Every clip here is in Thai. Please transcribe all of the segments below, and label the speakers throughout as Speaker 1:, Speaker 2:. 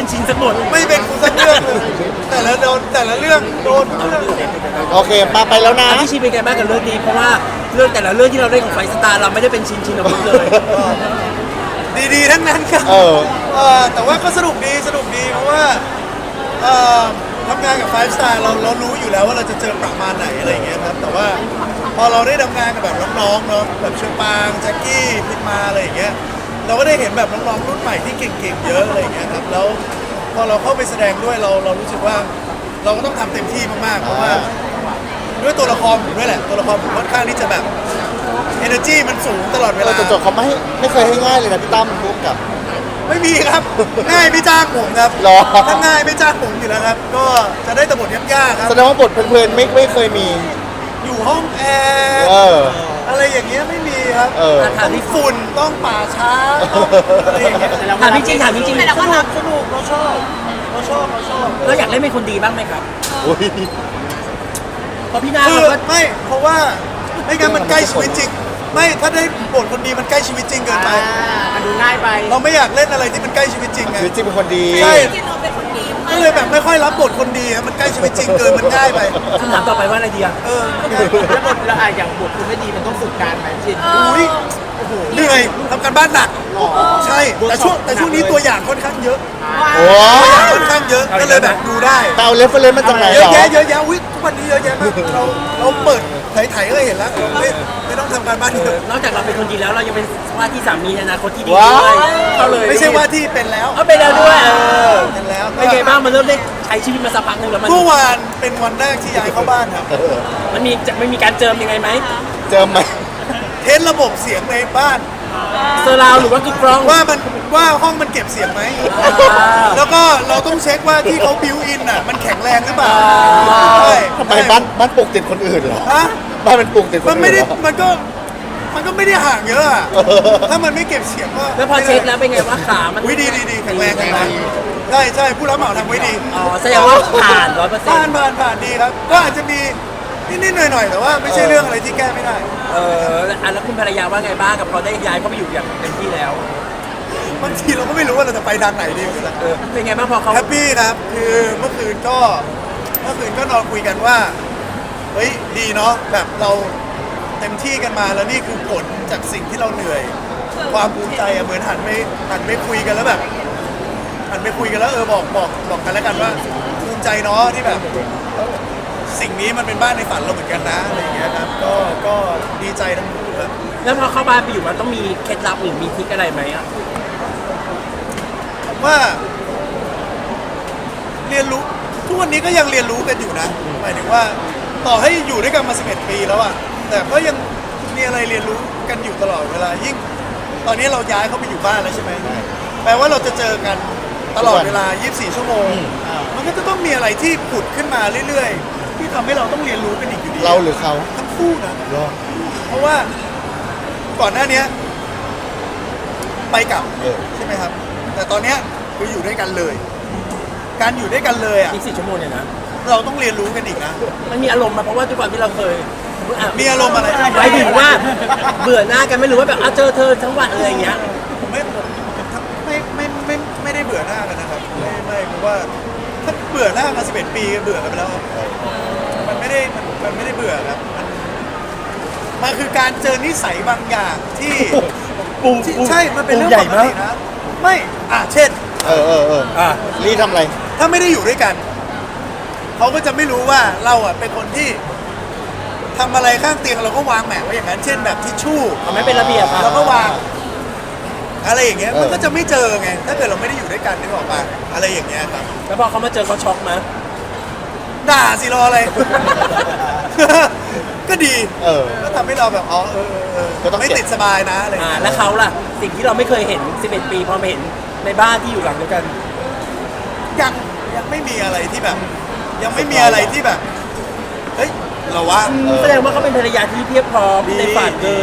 Speaker 1: ชินสักหมด
Speaker 2: ไม่เป็นกูสักเรื่องเลยแต่ละเรื่องโดนทุกเรื่อง
Speaker 3: โอเคมาไปแล้วนะ
Speaker 1: พี่ชินเป็นไงบ้างกับเรื่องนี้เพราะว่าเรื่องแต่ละเรื่องที่เราเล่นของไฟสตาร์เราไม่ได้เป็นชินอาวุธเลย
Speaker 2: ดีๆทั้งนั้นครับแต่ว่าก็สนุกดีเพราะว่าทำงานกับ5 Star เรารู้อยู่แล้วว่าเราจะเจอประมาณไหนอะไรอย่างเงี้ยครับแต่ว่าพอเราได้ทำงานกับแบบน้องๆเนาะแบบเชอปางแจ็คกี้พิมมาอะไรอย่างเงี้ยเราก็ได้เห็นแบบน้องๆรุ่นใหม่ที่เก่งๆเยอะอะไรอย่างเงี้ยครับแล้วพอเราเข้าไปแสดงด้วยเรารู้สึกว่าเราก็ต้องทำเต็มที่มากๆเพราะว่าด้วยตัวละครผมด้วยแหละตัวละครผมค่อนข้างที่จะแบบ energy มันสูงตลอดเวลา
Speaker 3: จดเขาไม่เคยให้ง่ายเลยนะพี่ตั้มพูดกับ
Speaker 2: ไม่มีครับ ง่ายไม่จ้างผมครับ
Speaker 3: หรอ
Speaker 2: ถ้าง่ายไม่จ้างผมอยู่แล้วครับ ก็จะได้แต่บทยากๆครับ
Speaker 3: แสดงว่าบทเพลินๆไม่เคยมี
Speaker 2: อยู่ห้องแอร์
Speaker 3: เออ
Speaker 2: อะไรอย่างเงี้ยไม่มีครับ
Speaker 3: เออ
Speaker 2: ต้องฝุ่นต้องป่าช้าต้องอะไรอย่างเงี้ย
Speaker 1: ถามจริง
Speaker 2: สนุกเราชอบ
Speaker 1: เราอยากเล่นเป็นคนดีบ้างไหมครับ
Speaker 3: อุ้ย
Speaker 1: เพราะพี่นา
Speaker 2: คือ
Speaker 1: เขาก็
Speaker 2: ไม่เพราะว่าไม่งั้นมันใกล้ชีวิตจริง ไม่ถ้าได้บทคนดีมันใกล้ชีวิตจริงเกินไป
Speaker 4: มันดูง่ายไป
Speaker 2: เราไม่อยากเล่นอะไรที่มันใกล้ชีวิตจริงไง
Speaker 3: ชีวิตจริงเป็นคนดี
Speaker 2: ใช่ก็เลยแบบไม่ค่อยรับบทคนดีครับมันใกล้ชีวิตจริงเกินมันง่ายไป
Speaker 1: คำถามต่อไปว่าอะไรดีอะ
Speaker 4: แล้วบทละอย่างบทคุณไม่ดีมันต้องฝึกการไหมชิน
Speaker 2: อุ้ยเหนื่อยทำการบ้านหนักใช่แต่ช่วงนี้ตัวอย่างค่อนข้างเยอะ
Speaker 3: โอ้
Speaker 2: ตัวอย่างค่อนข้างเยอะก็เลยแบบดูได้
Speaker 3: เตาเรฟเฟรนซ์มาจากไหน
Speaker 2: เย
Speaker 3: หร
Speaker 2: อะ
Speaker 3: อ
Speaker 2: แยะอุ้ยทุกวันนี้เยอะแยะมากเราเปิดไถๆก็เห็นแล้วไม่ต้องทำการบ้านเยอะ
Speaker 1: นอกจากเราเป็นคนดีแล้วเรายังเป็นว่าที่สามีในอนาคตที่ดี
Speaker 3: ว้า
Speaker 1: ด้วยเขาเลย
Speaker 2: ไม่ใช่ว่าที่เป็นแล้ว
Speaker 1: เอาไปแล้วด้วย
Speaker 2: เป็นแล้ว
Speaker 1: เป็นไงบ้างมันเริ่มได้ใช้ชีวิตมาสักพักหนึ่งแล้วมัน
Speaker 2: เมื่อวานเป็นวันแรกที่ย้ายเข้าบ้านครับ
Speaker 1: มันมีจะไม่มีการเจิมยังไงไหม
Speaker 3: เจอไหม
Speaker 2: เทสระบบเสียงในบ้าน
Speaker 1: เซอร์ราวหรือว่ากึกกรอง
Speaker 2: ว่าห้องมันเก็บเสียงไหม แล้วก็เราต้องเช็คว่าที่เขาบิวอินอ่ะมันแข็งแรงหรือเปล่าใช่
Speaker 3: ทำไมบ้านปลูกติดคนอื่นเหรอ
Speaker 2: ฮะ
Speaker 3: บ้านมันปลูกติดคน
Speaker 2: มัน
Speaker 3: อื่น
Speaker 2: ไม่ได้
Speaker 3: เหรอ
Speaker 2: มันก็ไม่ได้ห่างเยอะอะถ้ามันไม่เก็บเสียงก็
Speaker 1: แล้วพอเช็คแล้วเป็นไงว่าขามัน
Speaker 2: วิดีแข็งแรงใช่ผู้รับเหมาทำไว้ดี
Speaker 1: อ๋อแสดงว่าผ่าน100%
Speaker 2: ผ่านดีครับ ก็อาจจะมีนิดๆหน่อยๆแต่ว่าไม่ใช่เรื่องอะไรที่แก้ไม่ได้
Speaker 1: แล้วคุณภรรยาว่าไงบ้างกับพอได้ย้ายเข้าไปอยู่อย่างเต็มที่แล้ว
Speaker 2: บางทีเราก็ไม่รู้ว่าเราจะไปทางไหนดีเหมือนกัน
Speaker 1: เป็นไงบ้างพอเขา
Speaker 2: แฮปปี้ครับคือเมื่อคืนก็นอนคุยกันว่าเฮ้ยดีเนาะแบบเราเต็มที่กันมาแล้วนี่คือผลจากสิ่งที่เราเหนื่อย ความภูมิใจอะเหมือนหันไปคุยกันแล้วแบบหันไปคุยกันแล้วบอกกันแล้วกันว่าภูมิใจเนาะที่แบบสิ่งนี้มันเป็นบ้านในฝันเราเหมือนกันนะอะไรอย่างเงี้ยครับก็ดีใจทั้งคู่ครับ
Speaker 1: แล้วพอเข้าบ้านไปอยู่มันต้องมีเคล็ดลับหรือมีทริคอะไรไหมอ่ะ
Speaker 2: ว่าเรียนรู้ทุกวันนี้ก็ยังเรียนรู้กันอยู่นะหมายถึงว่าต่อให้อยู่ด้วยกันมา11 ปีแล้วอะแต่ก็ยังมีอะไรเรียนรู้กันอยู่ตลอดเวลายิ่งตอนนี้เราย้ายเข้าไปอยู่บ้านแล้วใช่ไหมแปลว่าเราจะเจอกันตลอดเวลา24 ชั่วโมงมันก็จะต้องมีอะไรที่ผุดขึ้นมาเรื่อยๆที่ทำให้เราต้องเรียนรู้กันอีกอยู่ดี
Speaker 3: เราหรือเขา
Speaker 2: ทั้งคู่นะ
Speaker 3: เหรอ
Speaker 2: เพราะว่าก่อนหน้านี้ไปกลับ
Speaker 3: เออ
Speaker 2: ใช่ไหมครับ แต่ตอนเนี้ยคืออยู่ด้วยกันเลย การอยู่ด้วยกันเลยอ่ะ
Speaker 1: อีก4 ชั่วโมงเนี่ยนะ
Speaker 2: เราต้องเรียนรู้กันอีกนะ
Speaker 1: มันมีอารมณ์มาเพราะว่าทุกวันที่เราเคย
Speaker 2: มีอารมณ์อะไร
Speaker 1: หมายถึงว่าเบื่อหน้ากันไม่รู้ว่าแบบเจอเธอทั้งวันอะไรอย่างเงี้ย
Speaker 2: ผมไม่ได้เบื่อหน้ากันนะครับไม่เพราะว่าถ้าเบื่อหน้ามา11 ปีก็เบื่อกันไปแล้วครับมันไม่ได้เบื่อครับมันคือการเจอนิสัยบางอย่างที่ใช่มันเป็นเรื่องปกตินะไม่เช่น
Speaker 3: เออรีทำอะไร
Speaker 2: ถ้าไม่ได้อยู่ด้วยกัน เขาก็จะไม่รู้ว่าเราอ่ะเป็นคนที่ทำอะไรข้างเตียงเราก็วางแหมไว้อย่างนั้น เช่นแบบทิชชู่
Speaker 1: ไม่เป็นระเบียบอะ
Speaker 2: เราก็วาง อะไรอย่างเงี้ยมันก็จะไม่เจอไง ถ้าเกิดเราไม่ได้อยู่ด้วยกันนึกออกปะอะไรอย่างเงี้ยครับ
Speaker 1: แล้วพอเขามาเจอเขาช็อกมั้ย
Speaker 2: ด่าสิรออะไร ก็ดี ก็ทำให้เราแบบ
Speaker 3: ก็ต้อง
Speaker 2: ไม่ติดสบายนะอะไรอย่างเงี้ย
Speaker 1: แล้วเขาล่ะสิ่งที่เราไม่เคยเห็น11 ปีพอมาเห็นในบ้านที่อยู่หลังเดียวกัน
Speaker 2: ยังไม่มีอะไรที่แบบ ยังไม่มีอะไรที่แบบเฮ้ยเราว่า
Speaker 1: แสดงว่าเขาเป็นภรรยาที่เพียบพร้อมในฝันเลย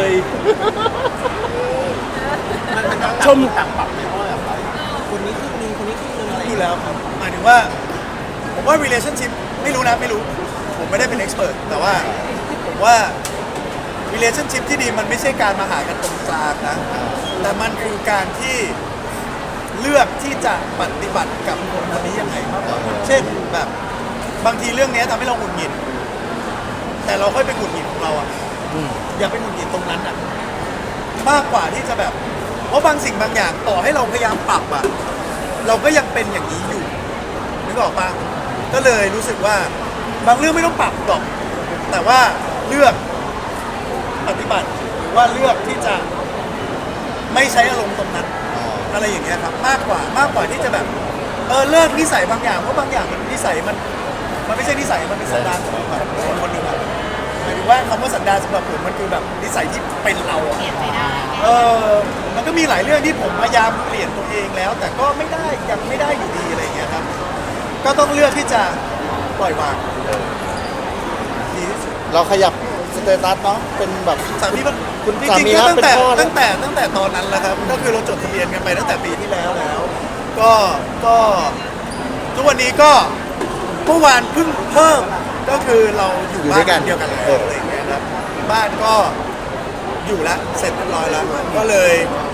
Speaker 1: ชม
Speaker 4: ต่างปรับไหมเพราะแบบคนนี้ครึ่งนึงคนนี้ครึ่งนึงอะไร
Speaker 2: อยู่แล้วครับหมายถึงว่าผมว่า relationship ไม่รู้นะไม่รู้ ผมไม่ได้เป็น expert แต่ว่าผมว่า relationship ที่ดีมันไม่ใช่การมาหากันตรงกลางนะแต่มันคือการที่เลือกที่จะปฏิบัติกับคนคนนี้ยังไงมากกว่าเช่นแบบบางทีเรื่องนี้ทำให้เราหงุดหงิดแต่เราค่อยไปหงุดหงิดของเราอ่ะอย่าไปหงุดหงิดตรงนั้นอ่ะมากกว่าที่จะแบบเพราะบางสิ่งบางอย่างต่อให้เราพยายามปรับอ่ะเราก็ยังเป็นอย่างนี้อยู่นึกออกปะก็เลยรู้สึกว่าบางเรื่องไม่ต้องปรับหรอกแต่ว่าเลือกปฏิบัติหรือว่าเลือกที่จะไม่ใช้อารมณ์ตรงนั้นอะไรอย่างเงี้ยครับมากกว่าที่จะแบบเลิกนิสัยบางอย่างเพราะบางอย่างมันนิสัยมันไม่ใช่นิสัยมันเป็นสันดานของคนคนหนึ่งอะหมายถึงว่าคำว่าสันดานสำหรับผมมันคือแบบนิสัยที่เป็นเราอะมันก็มีหลายเรื่องที่ผมพยายามเปลี่ยนตัวเองแล้ว แต่ก็ไม่ได้ยังไม่ได้อยู่ดีอะไรอย่างเงี้ยครับก็ต้องเลือกที่จะปล่อยวางดีที่สุด
Speaker 3: เราขยับสเตตัสเนาะเป็นแบบ
Speaker 2: สามีมัน
Speaker 3: คุณ
Speaker 2: จ
Speaker 3: สา
Speaker 2: ริง
Speaker 3: มี
Speaker 2: ๆก็
Speaker 3: ครับ
Speaker 2: ตั้งแต่
Speaker 3: เป็นพ่อแล้ว
Speaker 2: ตั้งแต่ตอนนั้นแหละครับก็คือเราจดทะเบียนกันไปตั้งแต่ปีที่แล้วก็ทุกวันนี้ก็เมื่อวานเพิ่งเพิ่มก็คือเราอยู่บ้านเดียวกันแล้วอะไรอย่างเงี้ยครับบ้านก็อยู่แล้วเสร็จเรียบร้อยแล้วก็เลย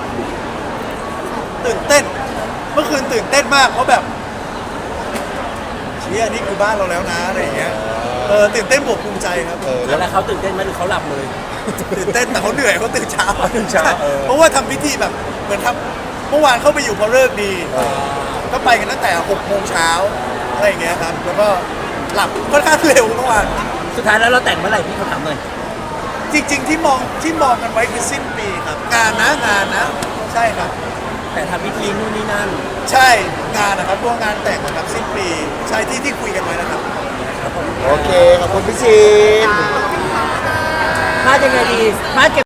Speaker 2: ตื่นเต้นเมื่อคืนตื่นเต้นมากเพราะแบบเชี่ยนี่คือบ้านเราแล้วนะอะไรอย่างเงี้ยตื่นเต้นบวกภูมิใจครับ
Speaker 1: แล้วเขาตื่นเต้นไหมหรือเขาหลับเลย
Speaker 2: ตื่นเต้นแต่เขาเหนื่อยเขาตื่นเช้า
Speaker 1: ตื่นเช้า
Speaker 2: เพราะว่าทำพิธีแบบเหมือนทำเมื่อวานเข้าไปอยู่พอเลิกดี ก็ไปกันตั้งแต่6 โมงเช้าอะไรอย่างเงี้ยครับแล้วก็หลับค่อนข้างเร็วเมื่อวาน
Speaker 1: สุดท้ายแล้วเราแต่งเมื่อไหร่พี่เขาถามหน่อย
Speaker 2: จริงๆที่มองกันไว้คือสิ้นปีครับงานนะใช่ครับ
Speaker 1: แต่ทำพิธีนู่นนี่นั่น
Speaker 2: ใช่งานนะครับพวกงานแต่งนะครับสิ้นปีใช่ที่คุยกันไว้นะครับ
Speaker 3: โอเค ขอบคุณพี่ชิน
Speaker 1: พลาดยังไงดีพลาดเก็บ